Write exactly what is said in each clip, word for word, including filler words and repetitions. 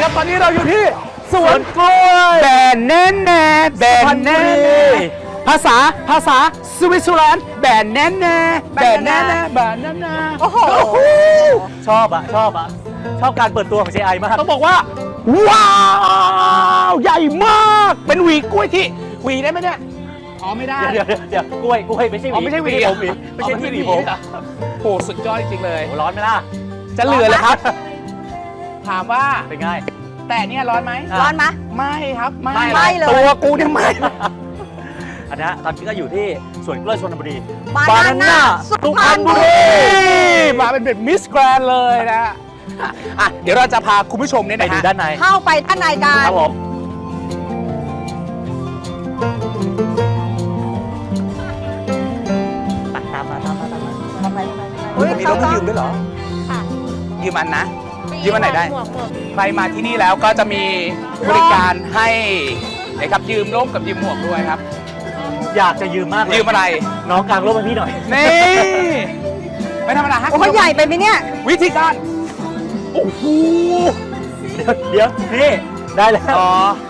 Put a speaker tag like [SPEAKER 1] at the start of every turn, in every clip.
[SPEAKER 1] ตอนนี้เราอยู่ที่สวนกล้วยแบนแน่แน่แบนแน่แน่ภาษาภาษาสวิตเซอร์แลนด์แบนแน่แน่แบนแน่แน่แบนแน่แน่โอ้โห
[SPEAKER 2] ชอบอะชอบอะชอบการเปิดตัวของ เจ ไอ มาก
[SPEAKER 1] ต้องบอกว่าว้าวใหญ่มากเป็นหวีกล้วยที่หวีได้ไหมเนี่ยอ๋อไม่ได้
[SPEAKER 2] เดี๋ยวเดี๋ยวเดี๋ยวกล้วยกล้วยไม่ใช่หวี
[SPEAKER 1] ไม่ใช่หวี
[SPEAKER 2] ผมหวีไม่ใช่ที่หวีผม
[SPEAKER 1] โหสุดยอดจริงๆเลย
[SPEAKER 2] ร้อนไหมล่ะ
[SPEAKER 1] จะเหลือเลยครับถามว่า
[SPEAKER 2] เป็นไง
[SPEAKER 1] แต่เนี่ยร้อนไหม
[SPEAKER 3] ร้อนไหม
[SPEAKER 1] ไม่ครับไม่
[SPEAKER 3] ไม่เลย
[SPEAKER 1] ตัวกูเนี่ยไม่
[SPEAKER 2] อันนี้ตอนนี้ก็อยู่ที่สวนกล้วยชลบุรี
[SPEAKER 3] บานาน่าสุพรรณบุรี
[SPEAKER 1] มาเป็นแบบมิสแกรนเลยนะอ่ะเดี๋ยวเราจะพาคุณผู้ชมเนี่ย
[SPEAKER 2] ไป
[SPEAKER 1] นะ
[SPEAKER 2] ดูด้านใน
[SPEAKER 3] เข้าไปด้านในกัน
[SPEAKER 2] ครับผมตามมาตามมาตามมา
[SPEAKER 3] เข้าไป
[SPEAKER 1] มีรถให้ยืมด้วยเหรอค่ะยืมอันนะยืมอันไหนได้ใครมาที่นี่แล้วก็จะมีบริการให้นะครับยืมร่มกับยืมหมวกด้วยครับ
[SPEAKER 2] อยากจะยืมมาก
[SPEAKER 1] ยืมอะไร
[SPEAKER 2] น้องกลางร่มให้พี่หน่อย
[SPEAKER 1] นี่ไม่ธรรมดาฮะ
[SPEAKER 3] โอ้ยใหญ่ไปไหมเนี่ย
[SPEAKER 1] วิธีการโอ้โห
[SPEAKER 2] เดี๋ยวนี่ได้แล้ว
[SPEAKER 1] อ๋อ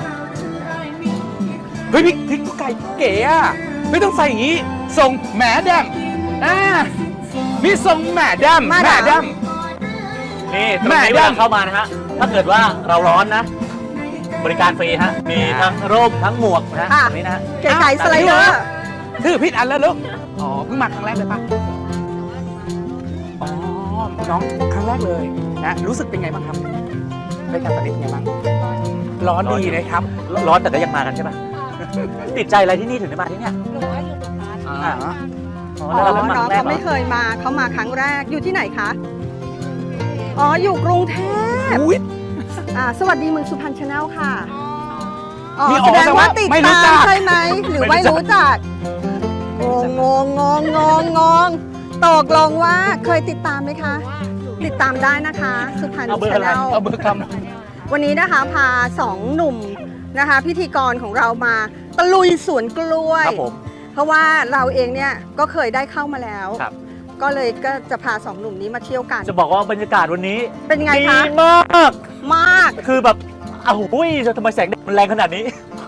[SPEAKER 1] เฮ้ยพี่พี่ไก่เก๋อะไม่ต้องใส่อย่างนี้ส่งแหมแดมอ่ามีส่งแหมแดมแหมแดม
[SPEAKER 2] นี่ตรงนี้เวลาเข้ามานะฮะถ้าเกิดว่าเราร้อนนะบริการฟรีฮะมีทั้งร่มทั้งหมวกนะฮะตรงนี้นะ
[SPEAKER 3] เก๋ไก่สไลเดอร์
[SPEAKER 1] ถือผิดอันแล้วลูกอ๋อเพิ่งมาครั้งแรกเลยป่ะอ๋อน้องครั้งแรกเลยนะรู้สึกเป็นไงบ้างครับไปการตัดเล็บเป็นไงบ้างร้อนดีนะครับ
[SPEAKER 2] ร้อนแต่ก็ยังมากันใช่ป่ะติดใจอะไรที่นี่ถึงได้มาที่เนี่ย
[SPEAKER 3] อ๋อน้องเขาไม่เคยมาเขามาครั้งแรกอยู่ที่ไหนคะอ๋ออยู่กรุงเทพอ่าสวัสดีเมืองสุพรรณชาแนลค่ะอ๋อแสดงว่าติดตามใช่ไหมหรือไม่รู้จักงงงงงงงงตกลงว่าเคยติดตามไหมคะติดตามได้นะคะสุพรรณชาแนล
[SPEAKER 1] เอาเบอร์ค
[SPEAKER 3] ำวันนี้นะคะพาสองหนุ่มนะคะพิธีกรของเรามาตะลุยสวนกล้วยเพราะว่าเราเองเนี่ยก็เคยได้เข้ามาแล้วก็เลยก็จะพาสองหนุ่มนี้มาเที่ยวกัน
[SPEAKER 2] จะบอกว่าบรรยากาศวันนี้
[SPEAKER 3] เป็นไงคะ
[SPEAKER 2] ดีมาก
[SPEAKER 3] มาก
[SPEAKER 2] คือแบบอ้าวหุ้ยทำไมแสงแดดมันแรงขนาดนี้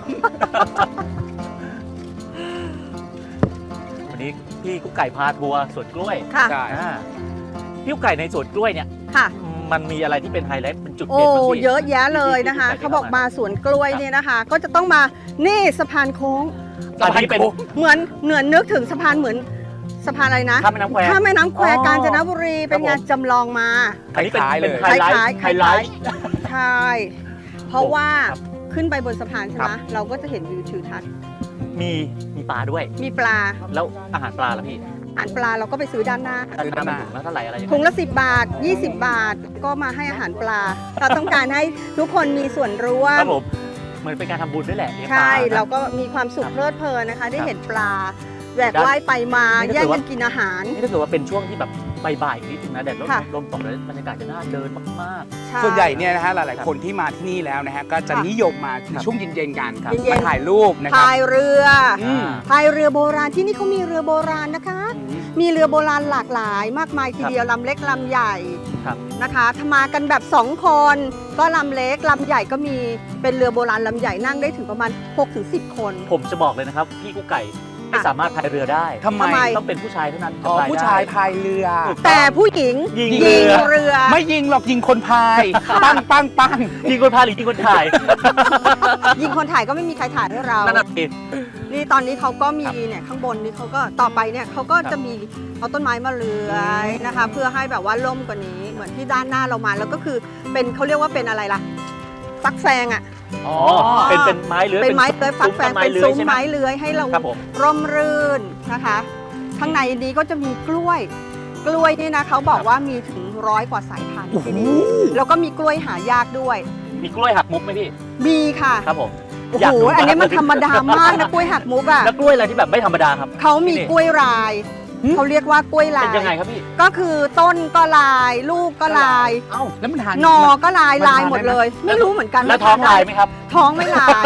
[SPEAKER 2] วันนี้พี่กุ๊กไก่พาทัวร์สวนกล้วย
[SPEAKER 3] ค่ะ
[SPEAKER 2] พี่กุ๊กไก่ในสวนกล้วยเนี่ย
[SPEAKER 3] ค่ะ
[SPEAKER 2] มันมีอะไรที่เป็นไฮไลท์เป็นจุดเด่น
[SPEAKER 3] โอ้เยอะแยะเลยนะคะเขาบอกมาสวนกล้วยเนี่ยนะคะก็จะต้องมานี่สะพานโค้ง
[SPEAKER 2] สะพานเป็น
[SPEAKER 3] เหมือนเหมือนนึกถึงสะพานเหมือนสะพานอะไรนะ
[SPEAKER 2] ข้ามแม่น้ำแคว
[SPEAKER 3] ข้ามแม่น้ำแควกาญจนบุรีเป็นงานจำลองมา
[SPEAKER 2] อันนี้เป็นไฮไลท์ไฮไลท์
[SPEAKER 3] ใช่เพราะว่าขึ้นไปบนสะพานใช่ไหมเราก็จะเห็นวิวทิวทัศน์
[SPEAKER 2] มีมีปลาด้วย
[SPEAKER 3] มีปลา
[SPEAKER 2] แล้วอาหารปลาล่ะพี่
[SPEAKER 3] อาหารปลาเราก็ไปซื้อด้านหน้า
[SPEAKER 2] ซื้อด้านหน้าถุงละเท่าไหร่อะไร
[SPEAKER 3] ถุงละสิบบาทยี่สิบบาทก็มาให้อาหารปลาเราต้องการให้ทุกคนมีส่วนร่วม
[SPEAKER 2] ครับผมเหมือนเป็นการทำบุญด้วยแหละ
[SPEAKER 3] ใช่เราก็มีความสุขเพลิดเพลินนะคะได้เห็นปลาแหวกว่ายไปมาแย่งกันกินอาหาร
[SPEAKER 2] นี่ถ้าเกิดว่าเป็นช่วงที่แบบบ่ายๆนิดนึงนะแดดร่มลมตกแล้วบรรยากาศจะน่าเดินมาก
[SPEAKER 1] ๆส่วนใหญ่เนี่ยนะฮะหลายๆคนที่มาที่นี่แล้วนะฮะก็จะนิยมมาในช่วงเย็นๆกันมาถ่ายรูปนะครับ
[SPEAKER 3] พายเรือพายเรือโบราณที่นี่เขามีเรือโบราณนะคะมีเรือโบราณหลากหลายมากมายทีเดียวลำเล็กลำใหญ่นะคะถ้ามากันแบบสองคนก็ลำเล็กลำใหญ่ก็มีเป็นเรือโบราณลำใหญ่นั่งได้ถึงประมาณ หกถึงสิบ คน
[SPEAKER 2] ผมจะบอกเลยนะครับพี่กุ๊กไก่ไม่สามารถพายเรือได้
[SPEAKER 1] ทำไม
[SPEAKER 2] ต้องเป็นผู้ชายเท่านั้น
[SPEAKER 1] อ๋อผู้ชายพายเรือ
[SPEAKER 3] แต่ผู้หญิง
[SPEAKER 2] ยิง
[SPEAKER 3] เรือ
[SPEAKER 1] ไม่ยิงหรอกยิงคนพายปังปังปัง
[SPEAKER 2] ยิงคนพายหรือยิงคนถ่าย
[SPEAKER 3] ยิงคนถ่ายก็ไม่มีใครถ่ายให้เรา
[SPEAKER 2] นั่นเอง
[SPEAKER 3] นี่ตอนนี้เขาก็มีเนี่ยข้างบนนี่เขาก็ต่อไปเนี่ยเขาก็จะมีเอาต้นไม้มาเลื้อยนะคะเพื่อให้แบบว่าร่มกว่านี้เหมือนที่ด้านหน้าเรามาแล้วก็คือเป็นเขาเรียกว่าเป็นอะไรล่ะฟักแฟงอ่ะ
[SPEAKER 2] อ๋อเป็นเป็นไม้เลื้อย
[SPEAKER 3] เป็นไม้เลื้อยฟักแฟงเป็นซุ้มไม้เลื้อยให้เราร่มรื่นนะคะข้างในนี้ก็จะมีกล้วยกล้วยนี่นะเขาบอกว่ามีถึงร้อยกว่าสายพันธุ์ที่นี่แล้วก็มีกล้วยหายากด้วย
[SPEAKER 2] มีกล้วยหักมุกไหมพี่
[SPEAKER 3] มีค่ะ
[SPEAKER 2] ครับผม
[SPEAKER 3] โอ้โหอันนี้มันธรรมดามากนะกล้วยหักมุกอ่ะ
[SPEAKER 2] แล้วกล้วยอะไรที่แบบไม่ธรรมดาครับ
[SPEAKER 3] เขามีกล้วยลายเขาเรียกว่ากล้วยลาย
[SPEAKER 2] เป็นยังไงครับพี่
[SPEAKER 3] ก็คือต้นก็ลายลูกก็ลาย
[SPEAKER 2] เอ้าแล้วมันทาน
[SPEAKER 3] หนอก็ลายลายหมดเลยไม่รู้เหมือนกัน
[SPEAKER 2] แล้วท้องลายไหมครับ
[SPEAKER 3] ท้องไม่ลาย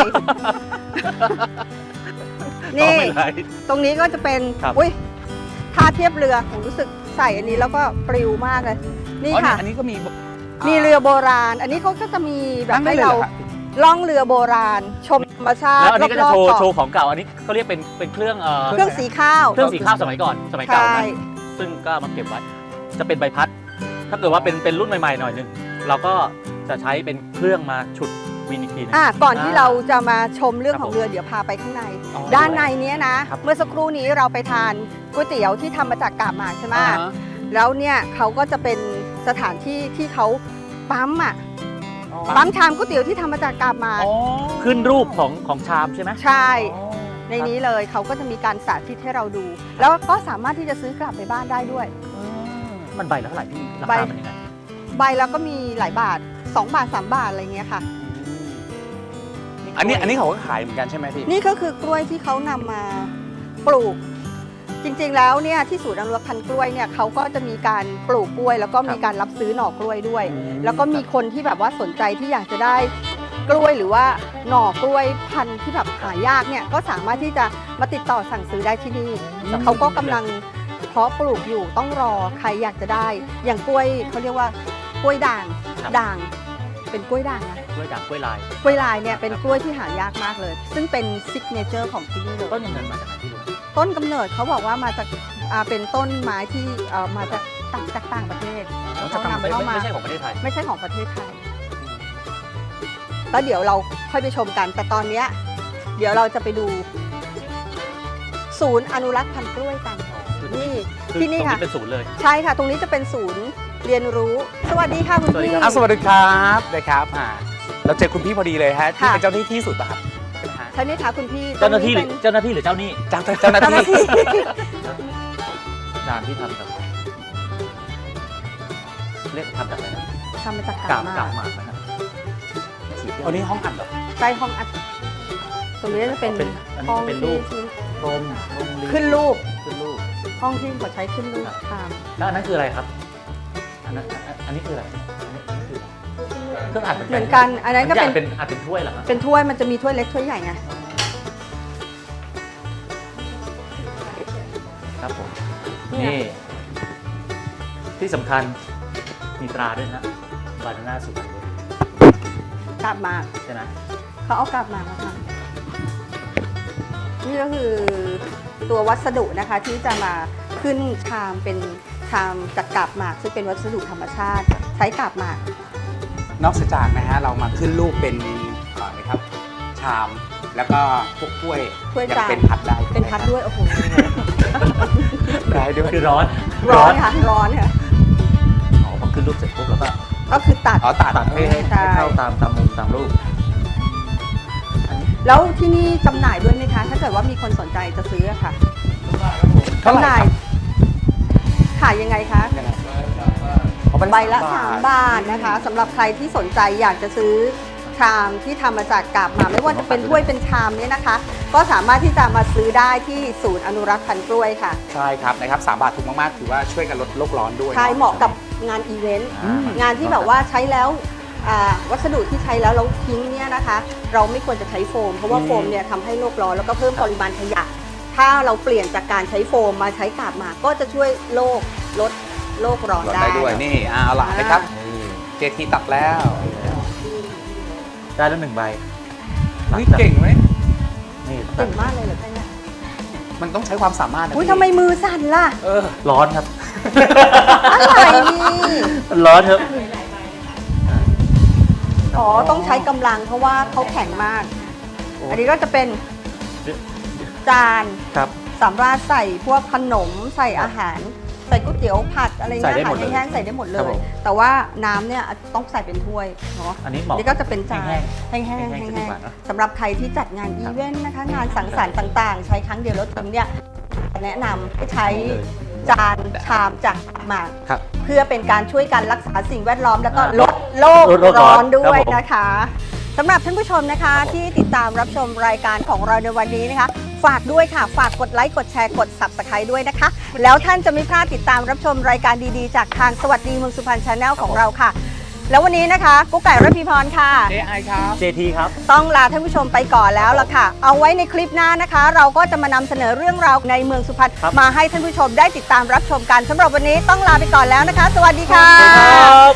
[SPEAKER 3] นี่ตรงนี้ก็จะเป็นอุ้ยท่าเทียบเรือผมรู้สึกใส่อันนี้แล้วก็ปลิวมากเลยนี่ค่ะ
[SPEAKER 1] อันนี้ก็มี
[SPEAKER 3] มีเรือโบราณ อันนี้เขาก็จะมีแบบ
[SPEAKER 1] นั่งได้
[SPEAKER 3] ให้
[SPEAKER 1] เลยเหร
[SPEAKER 3] เรา
[SPEAKER 1] อครับ
[SPEAKER 3] ล่องเรือโบราณ ชมธรรมชาติ
[SPEAKER 2] แล้วอันนี้ก็จะโชว์
[SPEAKER 3] รอบๆ
[SPEAKER 2] โช
[SPEAKER 3] เกาะ
[SPEAKER 2] ว์ของเก่าอันนี้เขาเรียกเป็นเป็นเครื่องเอ่อ
[SPEAKER 3] เครื่องสีข้าว
[SPEAKER 2] เครื่องสีข้าวสมัยก่อนสมัยเก่า
[SPEAKER 3] ใช่
[SPEAKER 2] นะซึ่งก็เอามาเก็บไว้ จะเป็นใบพัด ถ้าเกิดว่าเป็นเป็นรุ่นใหม่ๆหน่อยหนึงเราก็จะใช้เป็นเครื่องมาฉุดวินอีกทีหนึง
[SPEAKER 3] อ่ะก่อนที่
[SPEAKER 2] อ่า
[SPEAKER 3] เราจะมาชมเรื่อง
[SPEAKER 2] ครับ
[SPEAKER 3] ของเรือเดี๋ยวพาไปข้างใน
[SPEAKER 1] อ๋อ
[SPEAKER 3] ด้านในเนี้ยนะ
[SPEAKER 2] ครับ
[SPEAKER 3] เมื่อสักครู่นี้เราไปทานก๋วยเตี๋ยวที่ทำมาจากกาบหมากใช่ไหม
[SPEAKER 1] อ่าฮะ
[SPEAKER 3] แล้วเนี่ยเขาก็จะเป็นสถานที่ที่เขาปั๊มอ่ะ
[SPEAKER 2] อ๋อ
[SPEAKER 3] ปั๊มชามก๋วยเตี๋ยวที่ทำมาจากกาบหมาก
[SPEAKER 1] อ๋อ
[SPEAKER 2] ขึ้นรูปของของชามใช่ไหม
[SPEAKER 3] ใช่
[SPEAKER 2] อ๋อ
[SPEAKER 3] ในนี้เลยเขาก็จะมีการสาธิตให้เราดู แล้วก็สามารถที่จะซื้อกลับไปบ้านได้ด้วย
[SPEAKER 2] มันใบละเท่าไหร่พี่รา
[SPEAKER 3] ใบ
[SPEAKER 2] คามันยังไง
[SPEAKER 3] ใบแล้วก็มีหลายบาทสองบาทสามบาทอะไรเงี้ยค่ะ
[SPEAKER 1] อันนี้อันนี้เขาก็ขายเหมือนกันใช่ไหมพี่
[SPEAKER 3] นี่ก็คือกล้วยที่เขานำมาปลูก จริงๆแล้วเนี่ยที่ศูนย์อนุรักษ์พันธุ์กล้วยเนี่ยเขาก็จะมีการปลูกกล้วย แล้วก็มีการรับซื้อหน่อกล้วยด้วย
[SPEAKER 1] อืม
[SPEAKER 3] แล้วก็มีคนที่แบบว่าสนใจที่อยากจะได้กล้วยหรือว่าหน่อกล้วยพันธุ์ที่แบบหายากเนี่ยก็สามารถที่จะมาติดต่อสั่งซื้อได้ที่นี่
[SPEAKER 2] สั่งซื้อ
[SPEAKER 3] เขาก็กำลังเพาะปลูกอยู่ต้องรอใครอยากจะได้ อย่างกล้วยเขาเรียกว่ากล้วยด่าง
[SPEAKER 2] ครับ
[SPEAKER 3] ด่าง เป็นกล้วยด่างนะ
[SPEAKER 2] กล้วยด่างกล้วยลาย
[SPEAKER 3] กล้วยลายเนี่ยเป็นกล้วยที่หายากมากเลย ซึ่งเป็นซิกเนเจอร์ของที่นี่เลย
[SPEAKER 2] ต้นกำเนิดมาจากไหนพี่รู้
[SPEAKER 3] ต้นกำเนิดเขาบอกว่ามาจากอ่าเป็นต้นไม้ที่เอ่อมาจากต่างจากต่างประเทศแล้วเขานำ
[SPEAKER 2] ไม่
[SPEAKER 3] เข้า
[SPEAKER 2] ไม่
[SPEAKER 3] มา
[SPEAKER 2] ไม่ใช่ของประเทศไทย
[SPEAKER 3] ไม่ใช่ของประเทศไทยแล้วเดี๋ยวเราค่อยไปชมกัน แต่ตอนเนี้ยเดี๋ยวเราจะไปดู ศูนย์อนุรักษ์พันธุ์กล้วยกัน นี่
[SPEAKER 2] คือ
[SPEAKER 3] ที่นี่
[SPEAKER 2] ตรง
[SPEAKER 3] ค่ะ
[SPEAKER 2] นี้เป็นศูนย์เลย
[SPEAKER 3] ใช่ค่ะ ตรงนี้จะเป็นศูนย์เรียนรู้ สวัสดีค่ะคุณ
[SPEAKER 2] สวัสดี
[SPEAKER 3] พี่
[SPEAKER 2] ครั
[SPEAKER 1] อ่ะสวัสดีครับนะครับอ่าเราเจอคุณพี่พอดีเลยฮะที่
[SPEAKER 3] ค่ะ
[SPEAKER 1] เป็นเจ้าหน้าที่ศูนย์ป่ะครับใช่ไหมฮะ
[SPEAKER 3] ใช่ไหมคะคุณพี่
[SPEAKER 2] เจ้าหน้าที่ห
[SPEAKER 3] ต
[SPEAKER 2] รื
[SPEAKER 3] รง
[SPEAKER 2] อเจ้าหน้าที่หรือเจ้าหนี้
[SPEAKER 1] เจ้าเจ้าหน้า
[SPEAKER 3] เป็นเจ้าหน้า
[SPEAKER 1] ที่
[SPEAKER 3] ที่
[SPEAKER 2] จานที่ทำจากเรียกทำจากอะไรนะ
[SPEAKER 3] ทำมาจาก
[SPEAKER 2] กา
[SPEAKER 3] กา
[SPEAKER 2] บบ
[SPEAKER 3] ห
[SPEAKER 2] กาม
[SPEAKER 3] าก
[SPEAKER 2] หมากนะครับ
[SPEAKER 1] อันนี้ห้องอัดเหรอ
[SPEAKER 3] ใต้ห้องอัด ตรงนี้จะเป็น
[SPEAKER 2] เป็นอัน
[SPEAKER 3] ห้
[SPEAKER 2] นี้
[SPEAKER 3] อง
[SPEAKER 2] เป็น
[SPEAKER 3] ที่
[SPEAKER 2] รูปกลมลงลิ้
[SPEAKER 3] ขึ้นรูป
[SPEAKER 2] ขึ้นรูป
[SPEAKER 3] ห้องที่เขาใช้ขึ้นรูปชาม
[SPEAKER 2] แล้วอันนั้นคืออะไรครับ อันนั้นอันอันนี้คืออะไรอันนี้อันนี้คืออะไรเครื่องอัด
[SPEAKER 3] เหมือนกัน อันนั้นก็เป็น
[SPEAKER 2] เป็นอัดเป็นถ้วยเหรอครับ
[SPEAKER 3] เป็นถ้วยมันจะมีถ้วยเล็กถ้วยใหญ่ไง
[SPEAKER 2] ครับผม
[SPEAKER 3] เนี่ย
[SPEAKER 2] นี่ ที่สำคัญมีตราด้วยนะบานาน่าสุพรรณบุรี
[SPEAKER 3] กาบหมาก
[SPEAKER 2] ใช่ไหม
[SPEAKER 3] เขาเอากาบหมากมาทำนี่ก็คือตัววัสดุนะคะที่จะมาขึ้นชามเป็นชามจากกาบหมากซึ่งเป็นวัสดุธรรมชาติ ใช้กาบหมาก
[SPEAKER 1] นอกจากนะฮะเรามาขึ้นรูปเป็นก่อนนะครับ ชามแล้วก็พวกกล้วย
[SPEAKER 3] ถ้วย
[SPEAKER 1] ยัง
[SPEAKER 3] จาน
[SPEAKER 1] เป็นพัดได้
[SPEAKER 3] เป็นพัดด้วยโอ้โห
[SPEAKER 1] ได้ด้วย
[SPEAKER 2] คือร้อน
[SPEAKER 3] ร้อนค่ะร้อนค่ะ
[SPEAKER 2] อ๋อพอขึ้นรูปเสร็จปุ๊บแล้วก็
[SPEAKER 3] ก็คือตัด
[SPEAKER 1] อ๋อตัด
[SPEAKER 2] ตัดให้ให้
[SPEAKER 3] ใช่
[SPEAKER 2] ให้เข้าตามตามมุมตามรูป
[SPEAKER 3] แล้วที่นี่จำหน่ายด้วยไหมคะ ถ้าเกิดว่ามีคนสนใจจะซื้ออะค่ะ
[SPEAKER 1] เท่าไหร่
[SPEAKER 3] จำหน่าย
[SPEAKER 1] ครับ
[SPEAKER 3] ขายยังไงคะ
[SPEAKER 1] ยังไงอ๋อเป็น
[SPEAKER 3] ใบละ
[SPEAKER 1] สา
[SPEAKER 3] สาม
[SPEAKER 1] ม
[SPEAKER 3] บาทนะคะสำหรับใครที่สนใจอยากจะซื้อชามที่ทำมาจากกาบหมากไม่ว่าจะเป็นถ้วยเป็นชามเนี่ยนะคะ ก็สามารถที่จะมาซื้อได้ที่ศูนย์อนุรักษ์พันธุ์กล้วยค่ะ
[SPEAKER 1] ใช่ครับนะครับสามบาทถูกมากๆถือว่าช่วยกันลดโลกร้อนด้วย
[SPEAKER 3] ใช่เหมาะกับงานอีเวนต์
[SPEAKER 2] อืม
[SPEAKER 3] งานที่แบบว่าใช้แล้วอ่าวัสดุที่ใช้แล้วเราทิ้งเนี่ยนะคะ เราไม่ควรจะใช้โฟม เพราะว่าโฟมเนี่ยทำให้โลกร้อนแล้วก็เพิ่มปริมาณขยะ ถ้าเราเปลี่ยนจากการใช้โฟมมาใช้กาบหมากก็จะช่วยโลกลดโลกร้อน
[SPEAKER 1] ลด
[SPEAKER 3] ได้
[SPEAKER 1] ได้ด้วยนี่อ่าเอาล่ะนะครับเจทีตัดแล้ว
[SPEAKER 2] ได้แล้วหนึ่งใบ
[SPEAKER 1] นี่เก่งไหม
[SPEAKER 2] นี่
[SPEAKER 3] เก่งมากเลยเหรอคะเนี่ย
[SPEAKER 1] มันต้องใช้ความสามารถนะ
[SPEAKER 3] อุ้ย
[SPEAKER 1] พี่
[SPEAKER 3] ทำไมมือสั่นล่ะ
[SPEAKER 1] เออ
[SPEAKER 2] ร้อนครับ
[SPEAKER 3] อะไรนี่
[SPEAKER 2] ร้อนครับ
[SPEAKER 3] อ๋อ ต้องใช้กำลังเพราะว่าเขาแข็งมาก อันนี้ก็จะเป็นจาน
[SPEAKER 2] ครับ
[SPEAKER 3] สำหรับใส่พวกขนมใส่อาหาร ใส่ก๋วยเตี๋ยวผัดอะไรเงี้ย
[SPEAKER 2] ใส่ได้
[SPEAKER 3] อา
[SPEAKER 2] ห
[SPEAKER 3] หาม ร
[SPEAKER 2] ดเลย
[SPEAKER 3] แห้งๆใส่ได้หมดเล
[SPEAKER 2] ครับผ
[SPEAKER 3] ย
[SPEAKER 2] ม
[SPEAKER 3] แต่ว่าน้ำเนี่ยต้องใส่เป็นถ้วยเนาะ
[SPEAKER 2] อันนี้เหมาะ
[SPEAKER 3] นี่ก็จะเป็นจาน
[SPEAKER 2] แห้ง
[SPEAKER 3] แห้งๆ
[SPEAKER 2] แห้งๆจะดี
[SPEAKER 3] แห้ง
[SPEAKER 2] กว่าเนอะ
[SPEAKER 3] ๆสำหรับใครที่จัดงานอีเวนต์นะคะ งานสังสรรค์ต่างๆ ใช้ครั้งเดียวแล้วทิ้งเนี่ยแนะนำให้ใช้จานชามจากหมาก
[SPEAKER 2] ครับ
[SPEAKER 3] เพื่อเป็นการช่วยกันรักษาสิ่งแวดล้อมแล้วก็
[SPEAKER 2] อ่า
[SPEAKER 3] ลดโลก
[SPEAKER 2] ลดโลกร้
[SPEAKER 3] ร้
[SPEAKER 2] อ
[SPEAKER 3] อน นด้วย
[SPEAKER 2] ครับผม
[SPEAKER 3] นะคะสำหรับท่านผู้ชมนะคะที่ติดตามรับชมรายการของเราในวันนี้นะคะ ฝากด้วยค่ะ ฝากกดไลค์กดแชร์กด ซับสไครบ์ ด้วยนะคะ แล้วท่านจะไม่พลาดติดตามรับชมรายการดีๆ จากทางสวัสดีเมืองสุพรรณชาแนลของเราค่ะ แล้ววันนี้นะคะกุ๊กไก่ระพีพรค่ะ
[SPEAKER 1] เอไอครับ
[SPEAKER 2] เจทีครับ
[SPEAKER 3] ต้องลาท่านผู้ชมไปก่อนแล้วล่ะค่ะ เอาไว้ในคลิปหน้านะคะ เราก็จะมานำเสนอเรื่องราวในเมืองสุพรรณ
[SPEAKER 2] ครับ
[SPEAKER 3] มาให้ท่านผู้ชมได้ติดตามรับชมกันสำหรับวันนี้ต้องลาไปก่อนแล้วนะคะ สวัสดีค่ะ
[SPEAKER 2] สวัสดีครับ